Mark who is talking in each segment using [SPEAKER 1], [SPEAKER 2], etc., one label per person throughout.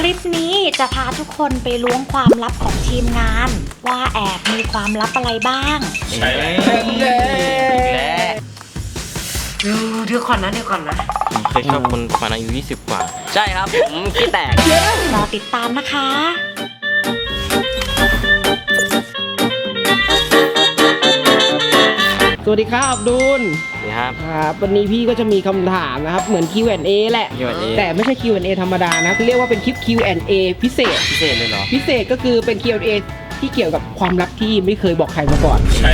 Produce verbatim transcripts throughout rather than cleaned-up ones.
[SPEAKER 1] ลิปนี้จะพาทุกคนไปล้วงความลับของทีมงานว่าแอบมีความลับอะไรบ้าง
[SPEAKER 2] ใช่แล้ว
[SPEAKER 3] เดี๋ยวก่อนนะเดี๋ยวก่อนนะ
[SPEAKER 2] ผมเคยชอบคนประมาณอายุยี่สิบกว่า
[SPEAKER 3] ใช่ครับผมขี้แตก
[SPEAKER 1] รอติดตามนะคะ
[SPEAKER 4] สวัสดีครับอับดุล
[SPEAKER 2] ครับ
[SPEAKER 4] ครับวันนี้พี่ก็จะมีคำถามนะครับเหมือน คิว แอนด์ เอ แหละ
[SPEAKER 2] คิว แอนด์ เอ
[SPEAKER 4] แต่ไม่ใช่ คิว แอนด์ เอ ธรรมดานะเรียกว่าเป็นคลิป คิว แอนด์ เอ พิเศษ
[SPEAKER 2] พิเศษเลยเหรอ
[SPEAKER 4] พิเศษก็คือเป็น คิว แอนด์ เอ ที่เกี่ยวกับความลับที่ไม่เคยบอกใครมาก่อน
[SPEAKER 2] ใช่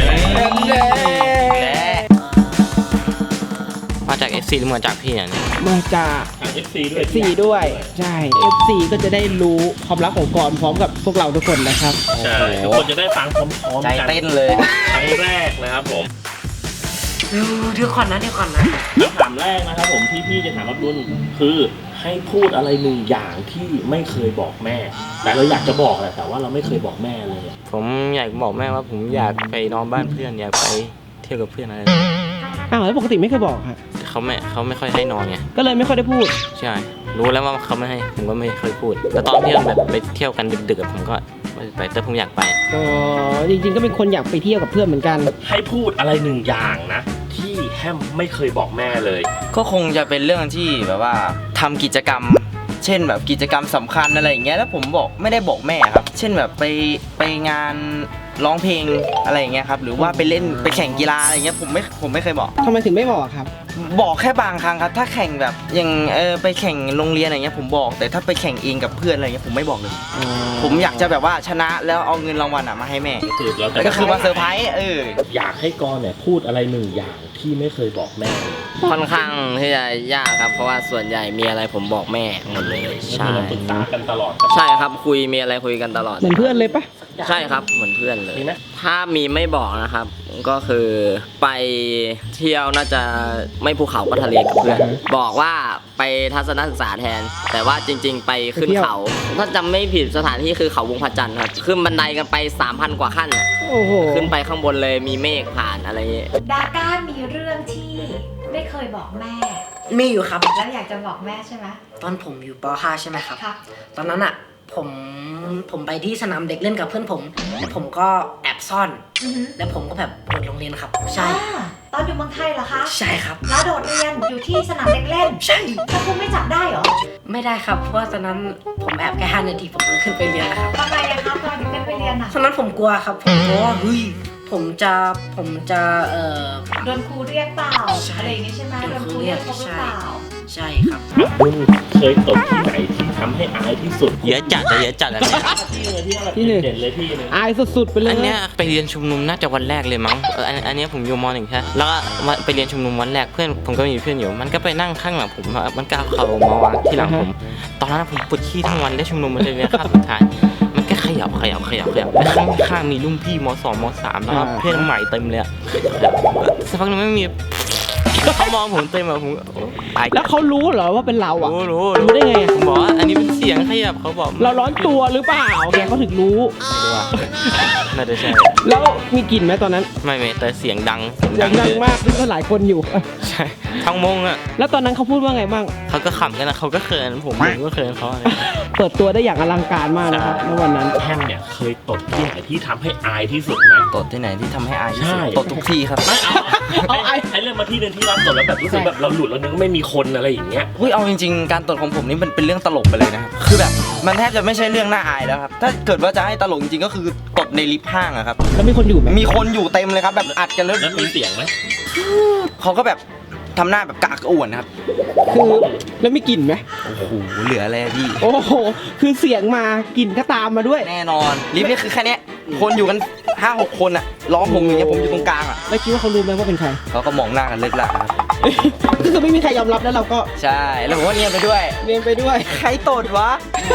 [SPEAKER 2] มาจาก เอฟ ซี หรือมาจากพี่เนี่ย
[SPEAKER 4] มาจาก
[SPEAKER 5] เอฟ ซี ด้วย
[SPEAKER 4] เอฟ ซี ด้วยใช่ เอฟ ซี ก็จะได้รู้ความลับของกรพร้อมกับพวกเราทุกคนนะครับ
[SPEAKER 5] ใช่ทุกคนจะได้ฟังพร้อมๆ
[SPEAKER 2] กันใจเต้นเลย
[SPEAKER 5] ครั้งแรกนะครับผม
[SPEAKER 3] เดี๋ยวก่อนนะเดี๋ยวก่อนนะ
[SPEAKER 5] คำถามแรกนะครับผมที่พี่จะถามอับดุลคือให้พูดอะไรหนึ่งอย่างที่ไม่เคยบอกแม่แต่เราอยากจะบอกแหละแต่ว่าเราไม่เคยบอกแม่เลย
[SPEAKER 2] ผมอยากบอกแม่ว่าผมอยากไปนอนบ้านเพื่อนอยากไปเที่ยวกับเพื่อนอะไร
[SPEAKER 4] อ้าวแล้วปกติไม่เคยบอกฮะ
[SPEAKER 2] เขาไม่เขาไม่ค่อยให้นอนไง
[SPEAKER 4] ก็เลยไม่ค่อยได้พูด
[SPEAKER 2] ใช่รู้แล้วว่าเขาไม่ให้ผมก็ไม่เคยพูดแต่ตอนที่เราแบบไปเที่ยวกันดึกๆผมก็ไม่ไปแต่ผมอยากไป
[SPEAKER 4] อ๋อจริงๆก็เป็นคนอยากไปเที่ยวกับเพื่อนเหมือนกัน
[SPEAKER 5] ให้พูดอะไรหนึ่งอย่างนะที่แฮมไม่เคยบอกแม่เลย
[SPEAKER 3] ก็คงจะเป็นเรื่องที่แบบว่าทำกิจกรรมเช่นแบบกิจกรรมสำคัญอะไรอย่างเงี้ยแล้วผมบอกไม่ได้บอกแม่ครับเช่นแบบไปไปงานร้องเพลงอะไรอย่างเงี้ยครับหรือว่าไปเล่นไปแข่งกีฬาอะไรอย่างเงี้ยผมไม่ผมไม่เคยบอก
[SPEAKER 4] ทำไมถึงไม่บอกครับ
[SPEAKER 3] บอกแค่บางครั้งครับถ้าแข่งแบบอย่างเออไปแข่งโรงเรียนอะไรเงี้ยผมบอกแต่ถ้าไปแข่งเองกับเพื่อนอะไรเงี้ยผมไม่บอกเลยผมอยากจะแบบว่าชนะแล้วเอาเงินรางวัลอ่ะมาให้แม่ก็คือมาเซอร์ไพรส์เออ
[SPEAKER 5] อยากให้กรเนี่ยพูดอะไรหนึ่งอย่างที่ไม่เคยบอกแม่
[SPEAKER 3] ค่อนข้างที่จะยากครับเพราะว่าส่วนใหญ่มีอะไรผมบอกแม่หมดเลย
[SPEAKER 5] ใช่ปรึกษากันตลอด
[SPEAKER 3] ใช่ครับคุยมีอะไรคุยกันตลอด
[SPEAKER 4] เหมือนเพื่อนเลยปะ
[SPEAKER 3] ใช่ครับเหมือนเพื่อนเลยถ้ามีไม่บอกนะครับก็คือไปเที่ยวน่าจะไม่ภูเขาก็ทะเลกับเพื่อนบอกว่าไปทัศนศึกษาแทนแต่ว่าจริงๆไปขึ้นเขาถ้าจำไม่ผิดสถานที่คือเขาวงพระจันทร์ครับขึ้นบันไดกันไป สามพัน กว่าขั้นอ่ะขึ้นไปข้างบนเลยมีเมฆผ่านอะไรอย่างเงี้ย
[SPEAKER 1] ดาก้ามีเรื่องที่ไม่เคยบอกแม่
[SPEAKER 6] มีอยู่ครับ
[SPEAKER 1] แล้วอยากจะบอกแม่ใช่ไหม
[SPEAKER 6] ตอนผมอยู่ป .ห้า ใช่ไหมครับตอนนั้นอ่ะผมผมไปที่สนามเด็กเล่นกับเพื่อนผมแล้วผมก็แอบซ่อนแล้วผมก็แบบโดดโรงเรียนครับใช่
[SPEAKER 1] ตอนอยู่เมืองไทยเหรอคะ
[SPEAKER 6] ใช่ครับ
[SPEAKER 1] แล้วโดดเรียนอยู่ที่สนามเด็กเล่น
[SPEAKER 6] ใช่
[SPEAKER 1] ถ้าคุณไม่จับได้เหรอ
[SPEAKER 6] ไม่ได้ครับเพราะว่าตอนนั้นผมแอบแค่ห้านาทีผมก็ขึ้นไปเรียนแล้วครับ
[SPEAKER 1] ทำไมอะครับตอนอยู่ขึ้นไปเรียนอะ
[SPEAKER 6] ตอนนั้นผมกลัวครับผมกลัวว่าเฮ้ยผมจะผมจะเอ่อ
[SPEAKER 1] โดนครูเรียกเปล่าอะไรอย่างนี้ใช่ไหมโดนครูเรียกเขาหรือเปล่า
[SPEAKER 6] ใช่ครับ
[SPEAKER 5] คุณเคยตกที่ไหนที่ทำให้อายที่สุด
[SPEAKER 2] เยอะจัดเลยเยอะจัดเลย
[SPEAKER 5] ที่หนึ่งเด่นเลยที่นึง
[SPEAKER 4] อายสุดๆไปเลย
[SPEAKER 2] อันเนี้ยไปเรียนชุมนุมน่าจะวันแรกเลยมั้งเอออันอันเนี้ยผมอยู่ม.หนึ่งใช่แล้วก็ไปเรียนชุมนุมวันแรกเพื่อนผมก็มีเพื่อนอยู่มันก็ไปนั่งข้างหลังผมมันก็เขามาวางที่หลังผมตอนนั้นผมปวดขี้ทั้งวันได้ชุมนุมมาเลยนะครับสุดท้ายมันก็ขยับขยับขยับขยับแล้วข้างข้างมีรุ่นพี่ม.สอง ม.สามแล้วก็เพื่อนใหม่เต็มเลยสักพักนึงไม่มีเขามองผมเต็มแบบผม
[SPEAKER 4] แล้วเขารู้เหรอว่าเป็นเราอ่ะ
[SPEAKER 2] รู้รู้
[SPEAKER 4] รู้ได้ไง
[SPEAKER 2] ผมบอกว่าอันนี้เป็นเสียงขยับเขาบอก
[SPEAKER 4] เราร้อนตัวหรือเปล่าแกเขาถึงรู้
[SPEAKER 2] น่าจะใช่
[SPEAKER 4] แล้วมีกลิ่นไหมตอนนั้น
[SPEAKER 2] ไม่ไม่แต่เสียงดัง
[SPEAKER 4] ดังดังมากซึ่งก็หลายคนอยู่
[SPEAKER 2] ใช่ทั้งมงอ่ะ
[SPEAKER 4] แล้วตอนนั้นเขาพูดว่าไงบ้าง
[SPEAKER 2] เขาก็ขำกันนะเขาก็เขินผมผมก็เขินเขา
[SPEAKER 4] เปิดตัวได้อย่างอลังการมากนะครับในวันนั้น
[SPEAKER 5] แฮมเนี่ยเคยตดที่ไหนที่ทำให้อายที่สุดไหม
[SPEAKER 3] ตดที่ไหนที่ทำให้อายที่สุดตดทุกที่ครับ
[SPEAKER 5] ไม่เอาเอาไอ้ไอ้เรื่องมาที่นึงที่เราตดแล้วแบบรู้สึกแบบเราหลุดแล้วนึกไม่มีคนอะไรอย่างเงี้ย
[SPEAKER 3] เฮ้ยเอาจริงๆการตดของผมนี่มันเป็นเรื่องตลกไปเลยนะครับคือแบบมันแทบจะไม่ใช่เรื่องน่าอายแล้วครับถ้าเกิดว่าจะให้ตลกจริงๆก็คือตดในลิฟต์ห้างอะครับ
[SPEAKER 4] แล้วมีคนอยู่ไหม
[SPEAKER 3] มีคนอยู่เต็มเลยครับแบบอัดกันแล้ว
[SPEAKER 5] มีเสียงไหม
[SPEAKER 3] เขาก็แบบทำหน้าแบบกากอ้วนนะครับ
[SPEAKER 4] คือแล้วไม่กลิ่นไหม
[SPEAKER 3] โอ้โหเหลืออะไรพี่
[SPEAKER 4] โอ้โหคือเสียงมากลิ่นก็ตามมาด้วย
[SPEAKER 3] แน่นอนลิฟต์นี่คือแค่นี้คนอยู่กันห้าหกคนอะล้อมผมอย่างเงี้ยผมอยู่ตรงกลางอะ
[SPEAKER 4] แล้วคิดว่าเขารู้ไหมว่าเป็นใคร
[SPEAKER 3] เขาก็มองหน้ากันเลิกละครับ
[SPEAKER 4] ก็คือไม่มีใครยอมรับแล้วเราก็
[SPEAKER 3] ใช่แล้วผมว่าเนียนไปด้วย
[SPEAKER 4] เนียนไปด้วย
[SPEAKER 3] ใครตดวะ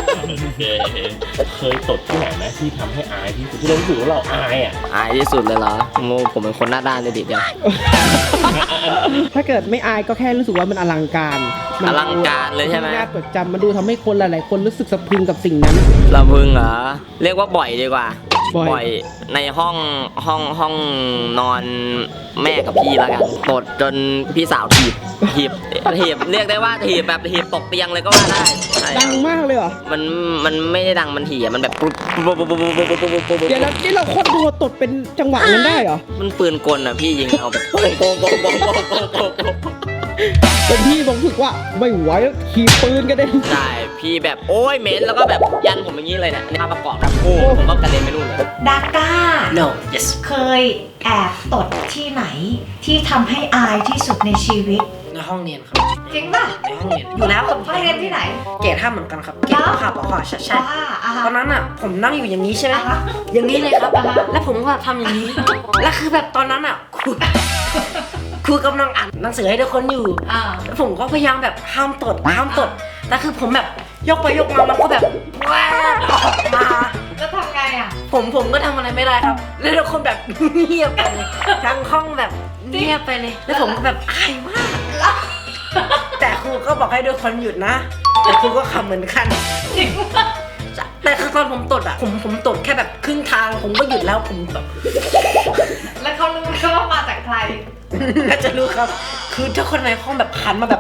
[SPEAKER 5] เคยตดที่ไหนไหมที่ทำให้อายที่สุดที่เรารู้สึกว่าเราอายอ่ะ
[SPEAKER 3] อายที่สุดเลยเหรอโมผมเป็นคนหน้าด้านเลยดิเดียว
[SPEAKER 4] ถ้าเกิดไม่อายก็แค่รู้สึกว่ามันอลังการ
[SPEAKER 3] อลังการเลยใช่ไหม
[SPEAKER 4] น่าจดจำมันดูทำให้คนหลายๆคนรู้สึกสะพรึงกับสิ่งนั้น
[SPEAKER 3] สะพรึงเหรอเรียกว่าบ่อยดีกว่า
[SPEAKER 4] บ่อย
[SPEAKER 3] บ่อยในห้องห้องห้องนอนแม่กับพี่แล้วกันตดจนพี่สาวถีบถีบถีบเรียกได้ว่าถีบแบบถีบตกเตียงเลยก็ว่าได้ใช่
[SPEAKER 4] ดังมากเลยเหรอ
[SPEAKER 3] มันมันไม่ได้ดังมันถี่อะมันแบบปุ๊บปุ๊บปุ๊บปุ๊บปุ๊บปุ๊บปุ๊บปุ๊บ
[SPEAKER 4] เดี๋ยวแล้วนี่เราโคตรดูตดเป็นจังหวะนั้นได้เหรอ
[SPEAKER 3] มันปืนกลอ่ะพี่ยิงเอาแบบโป่งโป่งโป่งโป่งโป่งโป่งโป่งโป่ง
[SPEAKER 4] เป็นพี่ผมรู้สึกว่าไม่ไหวแล้วขี่ปืนกันเด้
[SPEAKER 3] ใช่พี่แบบโอ้ยเหม็นแล้วก็แบบยันผมอย่างนี้เลยเนี่ยในภาพประกอบแบบโอ้ผมก็กระเด็นไปนู่นเลย
[SPEAKER 1] ดาก้า
[SPEAKER 6] no yes
[SPEAKER 1] เคยแอบตดที่ไหนที่ทำให้อายที่สุดในชีวิต
[SPEAKER 6] ในห้องเรียนครับ
[SPEAKER 1] จริงป่ะ
[SPEAKER 6] ในห้องเรียนอยู่แล้วครับ
[SPEAKER 1] ห้องเรียนที่ไหน
[SPEAKER 6] เกรดห้าเหมือนกันครับเกรดห้าปอใช่ใช่
[SPEAKER 1] อ่าอ่า
[SPEAKER 6] ตอนนั้นอ่ะผมนั่งอยู่อย่างนี้ใช่ไหม
[SPEAKER 1] อ่าฮะ
[SPEAKER 6] อย่างนี้เลยครับ
[SPEAKER 1] อ่าฮะ
[SPEAKER 6] แล้วผมก็ทำอย่างนี้ แล้วคือแบบตอนนั้นอ่ะครูครูกำลังอ่านหนังสือให้ทุกคนอยู่
[SPEAKER 1] อ่า
[SPEAKER 6] แล้วผมก็พยายามแบบห้ามตดห้ามตดแต่คือผมแบบยกไปยกมามันก็แบบแวบออกมา
[SPEAKER 1] แล้วทำไงอ่ะ
[SPEAKER 6] ผมผมก็ทำอะไรไม่ได้ครับ แล้วทุกคนแบบเงียบไปเลยทั้งห้องแบบเงียบไปเลย แล้วผมก็แบบอายมาก แต่ครูก็บอกให้ทุกคนหยุดนะ แต่ครูก็ขำเหมือนกัน
[SPEAKER 1] จริงป่ะ
[SPEAKER 6] แต่คือตอนผมตดอ่ะ ผมผมตดแค่แบบครึ่งทาง ผมก็หยุดแล้วผมแบบ
[SPEAKER 1] แล้วเขารู้ไหมว่ามาจากใคร
[SPEAKER 6] น่าจะรู้ครับ คือทุกคนในห้องแบบหันมาแบบ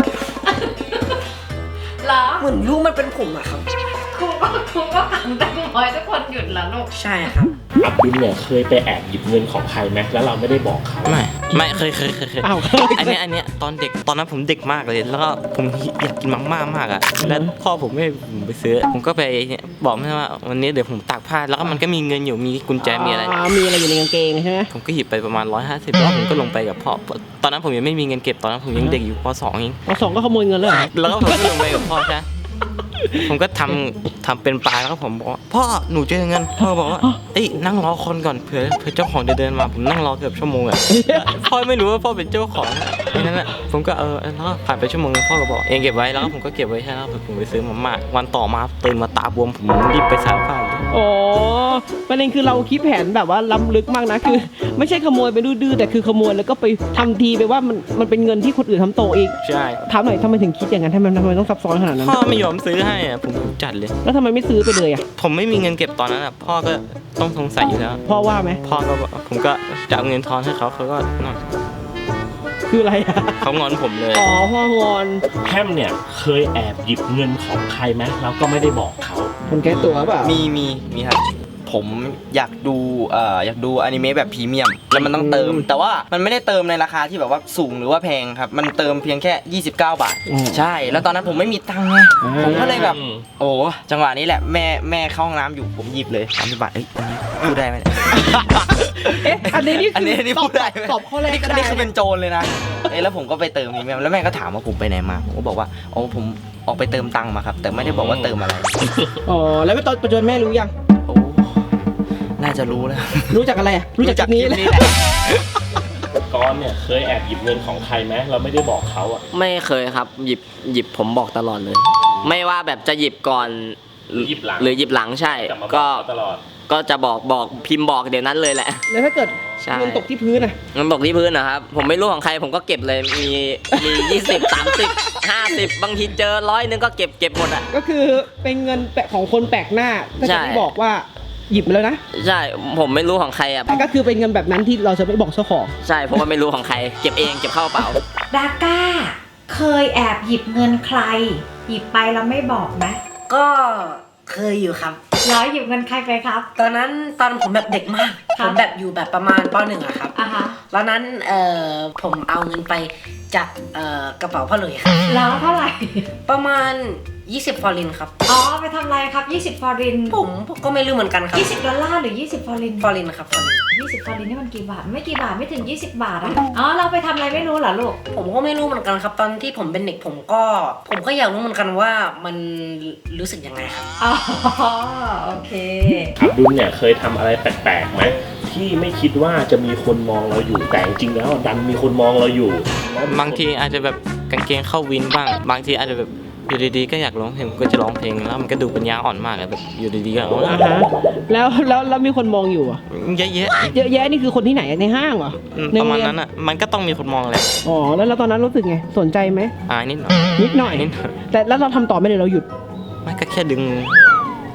[SPEAKER 1] เหรอ
[SPEAKER 6] เหมือนรู้มันเป็นผมอะครับ
[SPEAKER 1] ครูก็ครูก็ขำแต่บอยทุกคนหยุดเหรอลูก
[SPEAKER 6] ใช่ครับ
[SPEAKER 5] อับดุลเนี่ยเคยไปแอบหยิบเงินของใครไหมแล้วเราไม่ได้บอกเขา
[SPEAKER 2] ไม่ไม่เคยเคยเคยเคย
[SPEAKER 4] อ้าว
[SPEAKER 2] อันเนี้ยอันเนี้ยตอนเด็กตอนนั้นผมเด็กมากเลย แล้วก็ผมอยากกินมาม่ามากอ่ะแล้วพ่อผมไม่ให้ผมไปซื้อ ผมก็ไปเนี่ยบอกแม่ว่าวันนี้เดี๋ยวผมตากผ้าแล้วก็มันก็มีเงินอยู่มีกุญแจมีอะไร
[SPEAKER 4] มีอะไรอยู่ในกางเกงใช่ไหม
[SPEAKER 2] ผมก็หยิบไปประมาณร้อยห้าสิบแล้วผมก็ลงไปกับพ่อตอนนั้นผมยังไม่มีเงินเก็บตอนนั้นผมยังเด็กอยู่ป สองเอง
[SPEAKER 4] พอสองก็ขโมยเงินเลยเหรอ
[SPEAKER 2] แล้วก็ผมก็ลงไปกับพ่อใช่ไหมผมก็ทำทำเป็นปลาแล้วก็ผมบอกว่าพ่อหนูเจอเงินพ่อบอกว่าเอ้ยนั่งรอคนก่อนเผื่อเผื่อเจ้าของจะเดินมาผมนั่งรอเกือบชั่วโมงอ่ะพ่อไม่รู้ว่าพ่อเป็นเจ้าของดังนั้นอ่ะผมก็เออแล้วก็ผ่านไปชั่วโมงนึงพ่อก็บอกเองเก็บไว้แล้วก็ผมก็เก็บไว้ใช่แล้วผมไปซื้อมาม่าวันต่อมาตื่นมาตาบวมผมรีบไปสารภาพเลย
[SPEAKER 4] โอ้ประเด็นคือเราคิดแผนแบบว่าล้ำลึกมากนะคือ ไม่ใช่ขโมยไปดื้อๆแต่คือขโมยแล้วก็ไปทำทีไปว่ามันมันเป็นเงินที่คนอื่นทำโตอีก
[SPEAKER 2] ใช่
[SPEAKER 4] ถามหน่อยทำไมถึงคิดอย่างนั้นทำไมทำไมต้องซับซ้อนขนาดนั้น
[SPEAKER 2] พ่อไม่ยอมซื้อให้อ่ะผมจัดเลย
[SPEAKER 4] แล้วทำไมไม่ซื้อไปเลยอ่ะ
[SPEAKER 2] ผมไม่มีเงินเก็บตอนนั้นอ่ะพ่อก็ต้องสงสัยอยู่แล้ว
[SPEAKER 4] พ่อว่าไหม
[SPEAKER 2] พ่อก็บอกผมก็จะเอาเงินทอนให้เขาเขาก็นั่น
[SPEAKER 4] คืออะไรอ่ะ
[SPEAKER 2] เขางอนผมเลย
[SPEAKER 4] อ๋อพ่องอน
[SPEAKER 5] แฮมเนี่ยเคยแอบหยิบเงินของใครไหมแล้วก็ไม่ได้บอกเขา
[SPEAKER 4] คนแก้ตัวเปล่า
[SPEAKER 7] มีมีมีครับผมอยากดูเอ่ออยากดูอนิเมะแบบพรีเมียมแล้วมันต้องเติม แต่ว่ามันไม่ได้เติมในราคาที่แบบว่าสูงหรือว่าแพงครับมันเติมเพียงแค่ยี่สิบเก้าบาท ใช่แล้วตอนนั้นผมไม่มีตังค์ไงผมก็เลยแบบโอ้จังหวะนี้แหละแม่แม่เข้าห้องน้ำอยู่ผมหยิบเลยสามสิบบาทเอ้ยอันนี้พูดได้ไหมเนี่ย
[SPEAKER 4] เอ๊ะอันนี้นี่
[SPEAKER 7] อัน
[SPEAKER 4] คือ
[SPEAKER 7] นี้อันนี้
[SPEAKER 4] ตอ
[SPEAKER 7] พู
[SPEAKER 4] บ
[SPEAKER 7] ดได้ไหม
[SPEAKER 4] ตอบข้อแรก
[SPEAKER 7] นี่
[SPEAKER 4] ก็
[SPEAKER 7] อัน
[SPEAKER 4] ได้
[SPEAKER 7] นี้คือเป็นโจรเลยนะเอ้ยแล้วผมก็ไปเติมพรีเมียมแล้วแม่ก็ถามว่าผมไปไหนมาผมก็บอกว่าอ๋อผมออกไปเติมตังค์มาครับแต่ไม่ได้บอกว่าเติมอะไร
[SPEAKER 4] อ๋อแล้วตอนปัจจุบันแม่รู้ยัง
[SPEAKER 7] โอ้น่าจะรู้แล้ว
[SPEAKER 4] รู้จักอะไรอ่ะรู้จักจากนี้
[SPEAKER 7] คลิป
[SPEAKER 4] แหละ
[SPEAKER 7] นี้แหละ
[SPEAKER 5] ก้อนเนี่ยเคยแอบหยิบเงินของใครไหมเราไม่ได้บอกเขาอ่ะ
[SPEAKER 3] ไม่เคยครับหยิบหยิบผมบอกตลอดเลย ไม่ว่าแบบจะหยิบก่อน
[SPEAKER 5] หรือหยิบหลัง
[SPEAKER 3] หรือหยิบหลังใช่
[SPEAKER 5] จะมาบอก
[SPEAKER 3] ก็
[SPEAKER 5] เขาตลอด
[SPEAKER 3] ก็จะบอกบอกพิมพ์บอกเดี๋ยวนั้นเลยแหละ
[SPEAKER 4] แล้วถ้าเกิด
[SPEAKER 3] ใช่
[SPEAKER 4] เงินตกที่พื้นอ่ะ
[SPEAKER 3] เงินตกที่พื้นนะครับ ผมไม่รู้ของใครผมก็เก็บเลยมีมียี่สิบสามสิบห้าสิบบางทีเจอร้อยนึงก็เก็บเก็บหมดอ่ะ
[SPEAKER 4] ก็คือเป็นเงินแปะของคนแปลกหน้าถ้า
[SPEAKER 3] ใช่
[SPEAKER 4] จะไม่บอกว่าหยิบมาแล้วนะ
[SPEAKER 3] ใช่ผมไม่รู้ของใครอ่ะ
[SPEAKER 4] แต่ก็คือเป็นเงินแบบนั้นที่เราจะไม่บอกเจ้าของ
[SPEAKER 3] ใช่เพราะว่าไม่รู้ของใคร เก็บเองเก็บเข้ากระเป๋า
[SPEAKER 1] ดาก้า เคยแอบหยิบเงินใคร หยิบไปแล้วไม่บอกไหม
[SPEAKER 6] ก็เคยอยู่ครับ
[SPEAKER 1] แล้วหยิบเงินใครไปครับ
[SPEAKER 6] ตอนนั้นตอนผมแบบเด็กมาก
[SPEAKER 1] ครั
[SPEAKER 6] ผ
[SPEAKER 1] บ
[SPEAKER 6] มแบบอยู่แบบประมาณปหนึ่งอะครับ
[SPEAKER 1] อ่ะฮะ
[SPEAKER 6] ตอนนั้นเอ่อผมเอาเงินไปจากเอ่อกระเป๋าพ่อหลุยครับ
[SPEAKER 1] แล้วเท่าไหร่
[SPEAKER 6] ประมาณยี่สิบฟอรินครับ
[SPEAKER 1] อ๋อ ไปทำอะไรครับ ยี่สิบฟอริน
[SPEAKER 6] ผมผมก็ไม่รู้เหมือนกันครับ
[SPEAKER 1] ยี่สิบดอลลาร์หรือ ยี่สิบฟอริน
[SPEAKER 6] ฟอรินครับฟอริน
[SPEAKER 1] ยี่สิบฟอรินนี่มันกี่บาท ไม่กี่บาทไม่ถึง ยี่สิบบาทอะอ๋อ เราไปทำอะไรไม่รู้เหรอลูก
[SPEAKER 6] ผมก็ไม่รู้เหมือนกันครับ ตอนที่ผมเป็นเด็กผมก็ ผมก็อยากรู้เหมือนกันว่ามันรู้สึกยังไงครับ
[SPEAKER 1] อ๋อ โอเค
[SPEAKER 5] อับดุลเนี่ยเคยทำอะไรแปลกๆไหมที่ไม่คิดว่าจะมีคนมองเราอยู่แต่จริงๆแล้วดันมีคนมองเราอยู่
[SPEAKER 2] บางทีอาจจะแบบกางเกงเข้าวินบ้าง บางทีอาจจะแบบอยู่ดีๆก็อยากร้องเพลงผมก็จะร้องเพลงแล้วมันก็ดูปัญญาอ่อนมากอะแบบอยู่ดีๆก็เอา
[SPEAKER 4] อ่าฮะแล้วแล้วแล้วมีคนมองอยู่อ่ะ
[SPEAKER 2] เยอะแยะ
[SPEAKER 4] เยอะแยะนี่คือคนที่ไหนในห้างเหรอ
[SPEAKER 2] อืม
[SPEAKER 4] ใน
[SPEAKER 2] ประ
[SPEAKER 4] โง
[SPEAKER 2] มาณ
[SPEAKER 4] เย
[SPEAKER 2] นั้นอ่ะมันก็ต้องมีคนมองแหละ
[SPEAKER 4] อ๋อแล้วแล้วตอนนั้นรู้สึกไงสนใจไหม
[SPEAKER 2] อายนิดหน่อย
[SPEAKER 4] นิดหน่อย
[SPEAKER 2] นิดหน่อย
[SPEAKER 4] แต่แล้วเราทำต่อไม่เลยเราหยุด
[SPEAKER 2] ไม่ก็แค่ดึง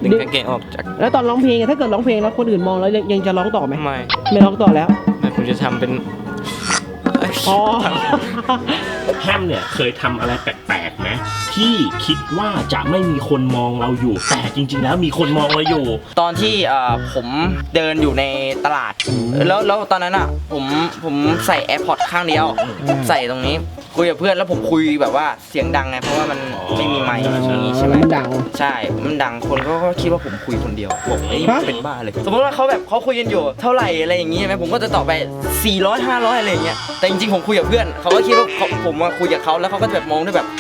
[SPEAKER 2] ดึงกางเกงออกจาก
[SPEAKER 4] แล้วตอนร้องเพลงอะถ้าเกิดร้องเพลงแล้วคนอื่นมองแล้วยังยังจะร้องต่อไหม
[SPEAKER 2] ไม่
[SPEAKER 4] ไม่ร้องต่อแล้ว
[SPEAKER 2] ไม่ผมจะทำเป็น
[SPEAKER 4] อ๋อ
[SPEAKER 5] แฮมเนี่ยเคยทำอะไรแปลกๆไหมที่คิดว่าจะไม่มีคนมองเราอยู่ แต่จริงๆแล้วมีคนมองเราอยู่
[SPEAKER 7] ตอนที่เอ่อผมเดินอยู่ในตลาด แล้วแล้วตอนนั้นอ่ะผมผมใส่ AirPods ข้างเดียว ใส่ตรงนี้คุยกับเพื่อนแล้วผมคุยแบบว่าเสียงดังไงเพราะว่ามันไม่มีไมค์อย่างนี้ใช่ไหม
[SPEAKER 4] มันดัง
[SPEAKER 7] ใช่ มันดังคนก็ก็คิดว่าผมคุยคนเดียวบอกไอ้ย
[SPEAKER 4] ฮะ
[SPEAKER 7] เป็นบ้าเลย สมมติว่าเขาแบบเขาคุยกันอยู่เท่าไหร่อะไรอย่างงี้ใช่ไหมผมก็จะตอบไปสี่ร้อย ห้าร้อยอะไรอย่างเงี้ยแต่จริงๆผมคุยกับเพื่อนเขาก็คิดว่าเขาผมมาคุยกับเขาแล้วเขาก็จะแบบมองด้วยแบบ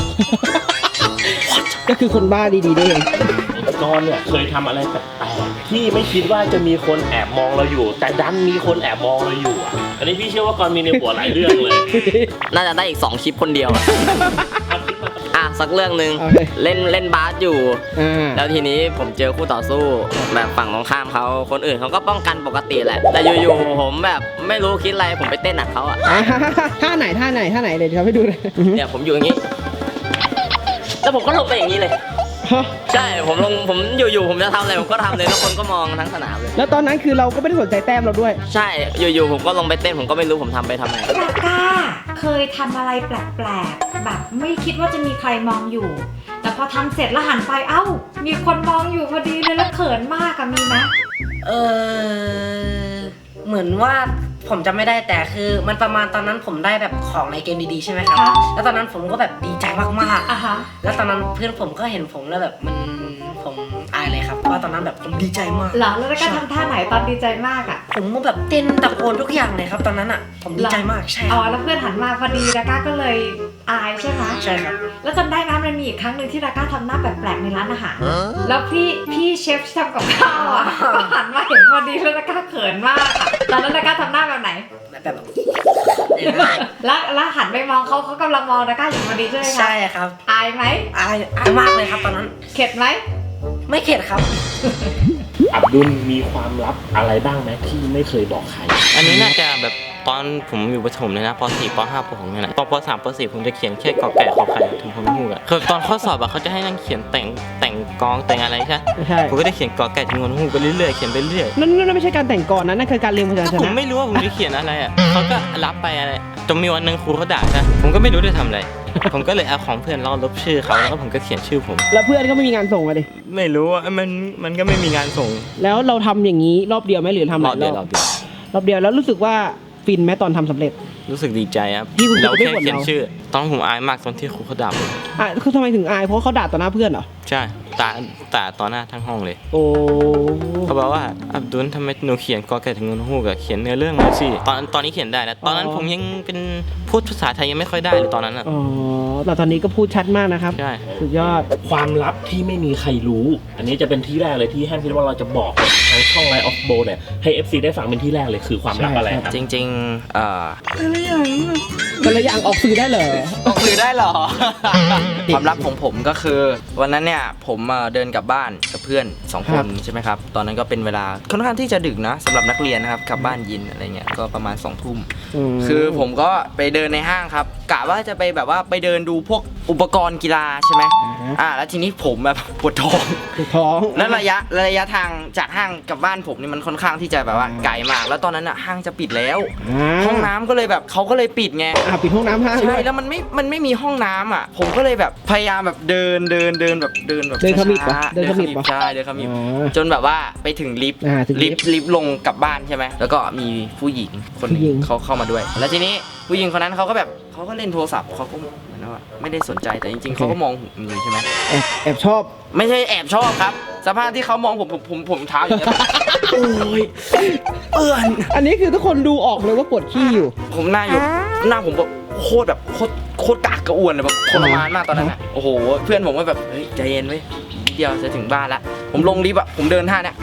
[SPEAKER 4] ก็คือคนบ้าดีๆได้เอง
[SPEAKER 5] กรณ์เนี่ยเคยทำอะไรแปลกๆที่ไม่คิดว่าจะมีคนแอบมองเราอยู่ แต่ดันมีคนแอบมองเราอยู่อ่ะอันนี้พี่เชื่อว่ากรณ์มีในหัวหลายเรื่องเลย
[SPEAKER 3] น่าจะได้อีกสองคลิปคนเดียว อ่ะสักเรื่องหนึ่ง
[SPEAKER 4] โอเค
[SPEAKER 3] เล่นเล่นบาสอยู่
[SPEAKER 4] อ่า
[SPEAKER 3] แล้วทีนี้ผมเจอคู่ต่อสู้แบบฝั่งตรงข้ามเขาคนอื่นเขาก็ป้องกันปกติแหละ แต่อยู่ๆผมแบบไม่รู้คิดอะไรผมไปเต้นหนักเขาอ่ะ
[SPEAKER 4] อ่าท่าไหนท่าไหนท่าไหนเดี๋ยวทำให้ดูเลย
[SPEAKER 3] เนี่ยผมอยู่อย่างนี้ แล้วผมก็ลงไปอย่างนี้เลย
[SPEAKER 4] ฮะ
[SPEAKER 3] ใช่ผมลงผมอยู่ๆผมจะทำอะไรผมก็ทำเลยแล้วคนก็มองทั้งสนามเลย
[SPEAKER 4] แล้วตอนนั้นคือเราก็ไม่ได้สนใจแต้มเราด้วย
[SPEAKER 3] ใช่อยู่ๆผมก็ลงไปเต้นผมก็ไม่รู้ผมทำไปทำไม
[SPEAKER 1] ดาก้าเคยทำอะไรแปลกๆ แบบไม่คิดว่าจะมีใครมองอยู่ แต่พอทำเสร็จแล้วหันไปเอ้า มีคนมองอยู่พอดีเลยแล้วเขินมากอะมีไหม
[SPEAKER 6] เออเหมือนว่าผมจำไม่ได้แต่คือมันประมาณตอนนั้นผมได้แบบของในเกมดีๆใช่ไหมครับ แล้วตอนนั้นผมก็แบบดีใจมากๆ
[SPEAKER 1] อ่ะฮะ
[SPEAKER 6] แล้วตอนนั้นเพื่อนผมก็เห็นผมแล้วแบบมันผมอายเลยครับว่าตอนนั้นแบบผมดีใจมาก
[SPEAKER 1] เหรอแล้วดาก้าทำท่าไหนตอนดีใจมากอะ
[SPEAKER 6] ผมก็แบบเต้นตะโกนทุกอย่างเลยครับ ตอนนั้นอ่ะผมดีใจมากใช่ค
[SPEAKER 1] อ๋อ
[SPEAKER 6] รับ
[SPEAKER 1] แล้วเพื่อนหันมาพอดีดาก้าก็เลยอายใช่ไหม
[SPEAKER 6] ใช่ครับ
[SPEAKER 1] แล้วจำได้ไหมมันมีอีกครั้งหนึ่งที่ดาก้าทำหน้าแปลกๆในร้านอาหาร แล้วพี่พี่เชฟที่ทำกับข้าวอ่ะ ก็หันมาเห็นพอดีแล้วดาก้าเขินมากอะตอนนั้นดาก้าทำหน้าแบบไหน
[SPEAKER 6] แบบ
[SPEAKER 1] แล้วแล้วหันไปมองเขาเขากำลังมองดาก้าอยู่พอดีใช่ไหมคะ
[SPEAKER 6] ใช่ครับ
[SPEAKER 1] อายไหม
[SPEAKER 6] อายอายมากเลยครับตอนนั้น
[SPEAKER 1] เข็ดไหม
[SPEAKER 6] ไม่เข็ดครับ
[SPEAKER 5] อับดุลมีความลับอะไรบ้างไหมที่ไม่เคยบอกใคร
[SPEAKER 2] อันนี้น่าจะแบบตอนผมอยู่ประถมเลยนะป .สี่ ป .ห้า ป .หก เนี่ยนะตอนป .สาม ป .สี่ ผมจะเขียนแค่กอไก่ขอไข่ถึงพนฮูกอะคือตอนข้อสอบอะเขาจะให้นั่งเขียนแต่งแต่งกองแต่งอะไรใช่
[SPEAKER 4] ใช่
[SPEAKER 2] ผมก็ได้เขียนกอไก่ถึงพนฮูกไปเรื่อยๆเขียนไปเรื่อย
[SPEAKER 4] นั่นนั่นไม่ใช่การแต่งก่อนนะนั่นคือการเรียงพยัญช
[SPEAKER 2] ผม
[SPEAKER 4] นะ
[SPEAKER 2] ไม่รู้ว่าผมจะเขียนอะไรอะเขาก็รับไปอะไรจนมีวันหนึ่งครูเขาด่าใช่ผมก็ไม่รู้จะทำอะไร ผมก็เลยเอาของเพื่อนลอกลบชื่อเขาแล้วก็ผมก็เขียนชื่อผม
[SPEAKER 4] แล้วเพื่อนก็ไม่มีงานส่งอะดิ
[SPEAKER 2] ไม่รู้ว่ามันมันก็ไม่มีงานส่ง
[SPEAKER 4] แล้วเราทำอย่างนี้รอบเดียวไหมหรือทำห
[SPEAKER 2] ร
[SPEAKER 4] ลา
[SPEAKER 2] อบ
[SPEAKER 4] ย
[SPEAKER 2] เดี
[SPEAKER 4] ร
[SPEAKER 2] ยว
[SPEAKER 4] อบ
[SPEAKER 2] รอบเดียว
[SPEAKER 4] รอบเดียวแล้วรู้สึกว่าฟินไหมตอนทำสำเร็จ
[SPEAKER 2] รู้สึกดีใจครับ
[SPEAKER 4] ที่คุณครู
[SPEAKER 2] เราแค่
[SPEAKER 4] ไม่บ่น
[SPEAKER 2] เขียน
[SPEAKER 4] เรา
[SPEAKER 2] ชื่อ ตอนนนผมอายมากตอนที่ครูเขาด่าผม
[SPEAKER 4] อ่ะคือทำไมถึงอายเพราะเขาด่าต่อหน้าเพื่อนเหรอ
[SPEAKER 2] ใช่ตาตาต่อหน้าทั้งห้องเลย
[SPEAKER 4] โอ้
[SPEAKER 2] เขาบอกว่าอับดุลทำไมหนูเขียนกอไก่ถึงพนฮูกอะเขียนเนื้อเรื่องมาสิตอนตอนนี้เขียนได้นะตอนนั้นผมยังเป็นพูดภาษาไทยยังไม่ค่อยได้เลยตอนนั้นอะ
[SPEAKER 4] อ๋อแต่ตอนนี้ก็พูดชัดมากนะครับ
[SPEAKER 2] ใช่
[SPEAKER 4] สุดยอด
[SPEAKER 5] ความลับที่ไม่มีใครรู้ อันนี้จะเป็นที่แรกเลยที่แฮมคิดว่าเราจะบอกทางช่องไลน์ออฟโบเนี่ยให้ เอฟ ซี ได้ฟังเป็นที่แรกเลยคือความลับอะไรครับ
[SPEAKER 7] จริงๆเอ่อ
[SPEAKER 4] แต่ละอย่างออกสื่อได้เหรอ
[SPEAKER 7] ออกสื่อได้เหรอ ความลับของผมก็คือ วันนั้นเนี่ยผมเอ่อเดินกลับบ้านกับเพื่อนสองค
[SPEAKER 4] ครั
[SPEAKER 7] น
[SPEAKER 4] บ
[SPEAKER 7] ใช่ไหมครับ ตอนนั้นก็เป็นเวลาค่อนข้างที่จะดึกนะสำหรับนักเรียนนะครับกลับบ้านเยินอะไรเงี้ยก็ประมาณสองทุ่ม
[SPEAKER 4] ม
[SPEAKER 7] คือผมก็ไปเดินในห้างครับกะว่าจะไปแบบว่าไปเดินดูพวกอุปกรณ์กีฬาใช่ไหม
[SPEAKER 4] อ่าฮะ
[SPEAKER 7] อ่าแล้วทีนี้ผมแบบปวดท้อง
[SPEAKER 4] ปวดท้อง
[SPEAKER 7] แล้วระยะระยะทางจากห้างกับบ้านผมนี่มันค่อนข้างที่จะแบบว่าไกลมาก แล้วตอนนั้นอ่ะห้างจะปิดแล้ว
[SPEAKER 4] อ่า
[SPEAKER 7] ห้องน้ำก็เลยแบบเขาก็เลยปิดไง
[SPEAKER 4] อ่าปิดห้องน้ำห้างด้
[SPEAKER 7] ใช่
[SPEAKER 4] วย
[SPEAKER 7] แล้วมันไม่มันไม่มีห้องน้ำอ่ะ ผมก็เลยแบบพยายามแบบเดินเดินเดินแบบเดินแบบ
[SPEAKER 4] เดินขมิบ
[SPEAKER 7] ช้า
[SPEAKER 4] ปะ
[SPEAKER 7] ๆ
[SPEAKER 4] เดินขมิบปะ
[SPEAKER 7] ใช่เดินขมิบ
[SPEAKER 4] อ๋อ
[SPEAKER 7] จนแบบว่าไปถึงลิฟต์
[SPEAKER 4] อ่าถึงลิ
[SPEAKER 7] ลิ
[SPEAKER 4] ฟ
[SPEAKER 7] ฟ
[SPEAKER 4] ต์
[SPEAKER 7] ต์ลิฟต์ลงกลับบ้านใช่ไหมแล้วก็มีผู้หญิงคนหนึ
[SPEAKER 4] ผู้หญิ
[SPEAKER 7] ง
[SPEAKER 4] ง
[SPEAKER 7] เขาเข้ามาด้วย แล้วทีนี้ผู้หญิงคนนั้นเขาก็แบบเขาก็เล่นโทรศัพท์เขาก็เหมือนว่าไม่ได้สนใจแต่จริงๆเขาก็มองผมอยู่ใช่ไหม
[SPEAKER 4] แอบแอบชอบ
[SPEAKER 7] ไม่ใช่แอบชอบครับ สภาพที่เขามองผมผมผมผมเท้าอย่างเงี้ยแบบโอ้ยเปื่อน
[SPEAKER 4] อันนี้คือทุกคนดูออกเลยว่าปวดขี้อยู่
[SPEAKER 7] ผมหน้าอยู่หน้าผมแบบโคตรแบบโคตรโคตรกากกระอ่วนเลยแบบทรมานมากตอนนั้นอ่ะโอ้โหเพื่อนผมก็แบบเฮ้ยใจเย็นเว้ยนิดเดียวจะถึงบ้านละผมลงลิฟต์อ่ะผมเดินท่าเนี้ย